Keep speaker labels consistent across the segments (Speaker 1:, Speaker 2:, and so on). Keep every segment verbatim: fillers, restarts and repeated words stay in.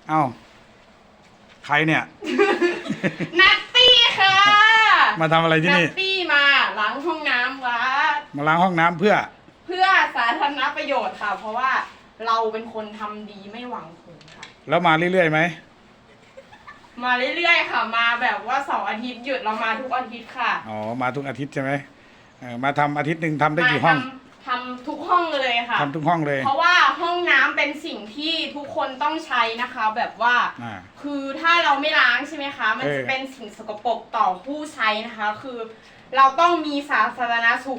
Speaker 1: เอ้าใครเนี่ย
Speaker 2: นัตตี้ค่ะ
Speaker 1: มาทำอะไรที่
Speaker 2: นั
Speaker 1: นี่
Speaker 2: ตตี้มาล้างห้องน้ำวัด
Speaker 1: มาล้างห้องน้ำเพื่อ
Speaker 2: เพื่อสาธารณประโยชน์ค่ะ เพราะว่าเราเป็นคนทำดีไม่หวังผลค่ะ
Speaker 1: แล้วมาเรื่อยๆไหม
Speaker 2: มาเรื่อยๆค่ะ มาแบบว่าเสาร์อาทิตย์หยุดเรามาทุกอาทิตย์ค่ะ
Speaker 1: อ๋อมาทุกอาทิตย์ใช่ไหมเออมาทำอาทิตย์หนึ่งทำได้กี่ห้อง
Speaker 2: มาทำทำทุกห้องเลยค่ะ
Speaker 1: ทำทุกห้องเลย
Speaker 2: เพราะว่าห้องน้ำเป็นสิ่งที่ทุกคนต้องใช้นะคะ แบบว่า
Speaker 1: อ่า
Speaker 2: คือถ้าเราไม่ล้างใช่ไหมคะ มัน
Speaker 1: เออ
Speaker 2: จะเป็นสิ่งสกปรกต่อผู้ใช้นะคะ คือเราต้องมีสาธารณสุข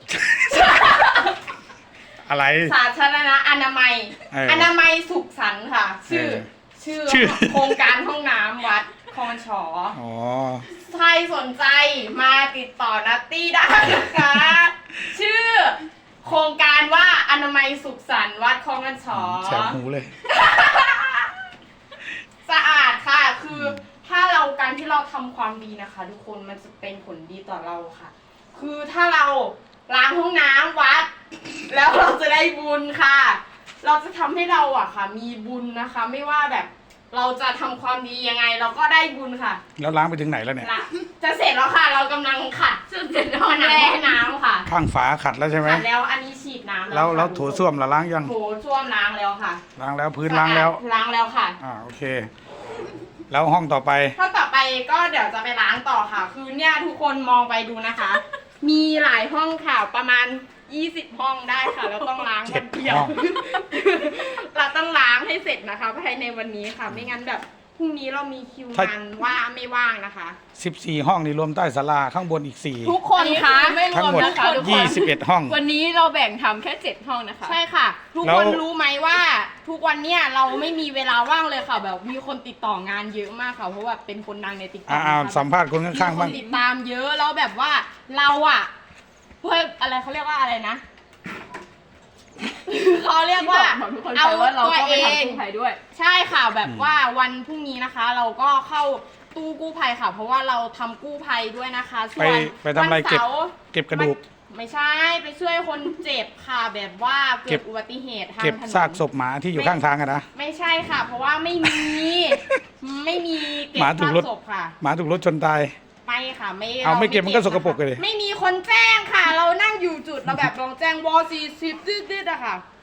Speaker 1: อะไร
Speaker 2: สาธารณอนามัย
Speaker 1: เออ
Speaker 2: อนามัยสุขสันต์ค่ะ ชื่อ
Speaker 1: เออ
Speaker 2: ชื่อ
Speaker 1: ชื่อ
Speaker 2: โครงการห้องน้ำวัดคลองฉอ
Speaker 1: อ๋อ
Speaker 2: ใครสนใจมาติดต่อนัตตี้ได้นะคะ ชื่อ โครงการว่าอนามัยสุขสันต์วัดคลองฉอ
Speaker 1: แสบหูเลย
Speaker 2: สะอาดค่ะ คือถ้าเราการที่เราทำความดีนะคะ ทุกคนมันจะเป็นผลดีต่อเราค่ะ คือถ้าเราล้างห้องน้ำวัด แล้วเราจะได้บุญค่ะ เราจะทำให้เราอะค่ะ มีบุญนะคะ ไม่ว่าแบบ เราจะทำความดียังไง เราก็ได้บุญค่ะ
Speaker 1: แล้วล้างไปถึงไหนแล้วเนี่ย
Speaker 2: ละจะเสร็จแล้วค่ะ เรากำลังขัดจนเสร็จแล้วน้ำน้ำค่ะ
Speaker 1: ข้างฝาขัดแล้วใช่ไหม
Speaker 2: ขัดแล้วอันนี้ฉีดน้ำ
Speaker 1: แล้ว
Speaker 2: ค่ะ
Speaker 1: แล้วโถส้วมล่ะล้างยัง
Speaker 2: โถส้วมล้างแล้วค่ะ
Speaker 1: ล้างแล้วพื้นล้างแล้ว
Speaker 2: ล้างแล้วค่ะ
Speaker 1: อ่าโอเค แล้วห้องต่อไป
Speaker 2: ถ้าต่อไปก็เดี๋ยวจะไปล้างต่อค่ะ คือเนี่ยทุกคนมองไปดูนะคะ มีหลายห้องค่ะ ประมาณยี่สิบห้องได้ค่ะ แล้วต้องล้างวันเดียว
Speaker 1: ห้อง
Speaker 2: เราต้องล้างให้เสร็จนะคะภายในวันนี้ค่ะ ไม่งั้นแบบพรุ่งนี้เรามีคิวงานว่าไม่ว่างนะคะ
Speaker 1: สิบสี่ห้องนี่รวมใต้ศาลาข้างบนอีกสี่
Speaker 2: ทุกคนคะ
Speaker 3: ไม่ร
Speaker 1: ทั้ง
Speaker 3: วม
Speaker 1: หมด
Speaker 3: นะคะทุกคน
Speaker 1: ยี่สิบเอ็ดห้อง
Speaker 3: วันนี้เราแบ่งทำแค่เจ็ดห้องนะคะ
Speaker 2: ใช่ค่ะ ทุก
Speaker 1: แล้
Speaker 2: ค
Speaker 1: ว
Speaker 2: นรู้ไหมว่า ทุกวันเนี้ยเราไม่มีเวลาว่างเลยค่ะ แบบมีคนติดต่องานเยอะมากค่ะ เพราะว่าเป็นคนดังในติ๊กต็อก
Speaker 1: อ่าสัมภาษณ์คนข้างๆ
Speaker 2: มีค
Speaker 1: บ้าง
Speaker 2: นติดตามเยอะแล้วแบบว่าเราอะเพื่ออะไรเขาเรียกว่าอะไรนะ เขาเรียกว่า
Speaker 3: บอกทุกคน
Speaker 2: เอา
Speaker 3: ไปว่าเรา
Speaker 2: ตัว
Speaker 3: ก็ไป
Speaker 2: เอ
Speaker 3: ทำ
Speaker 2: ง
Speaker 3: กู้ภัยด้วย
Speaker 2: ใช่ค่ะแบบว่าวันพรุ่งนี้นะคะ เราก็เข้าตู้กู้ภัยค่ะ เพราะว่าเราทำกู้ภัยด้วยนะคะส่
Speaker 1: ไป
Speaker 2: วน
Speaker 1: ไปทำอะไร
Speaker 2: วัน
Speaker 1: เก็บ
Speaker 2: เสาร์
Speaker 1: เก็บกระดูก
Speaker 2: ไม่ใช่ไปช่วยคนเจ็บค่ะ แบบว่าเกิ
Speaker 1: เก็
Speaker 2: ด
Speaker 1: บ
Speaker 2: อุบัติเหตุทาง
Speaker 1: เก็บ
Speaker 2: ถนน
Speaker 1: ซากศพหมาที่อยู่ข้างทางอะนะ
Speaker 2: ไม่ใช่ค่ะ เพราะว่าไม่มี ไม่มีเก็บ
Speaker 1: หมาถูก
Speaker 2: ซาก
Speaker 1: รถ
Speaker 2: ศพค่ะ
Speaker 1: หมาถูกรถชนตาย
Speaker 2: ไม่ค่ะไม่
Speaker 1: เอาไม่เก็บมันก็สกปรก
Speaker 2: นะคะ
Speaker 1: เลย
Speaker 2: ไม่มีคนแจ้งค่ะ เรานั่งอยู่จุดเราแบบลองแจ้งวอสี่สิบดืดๆอะค่ะ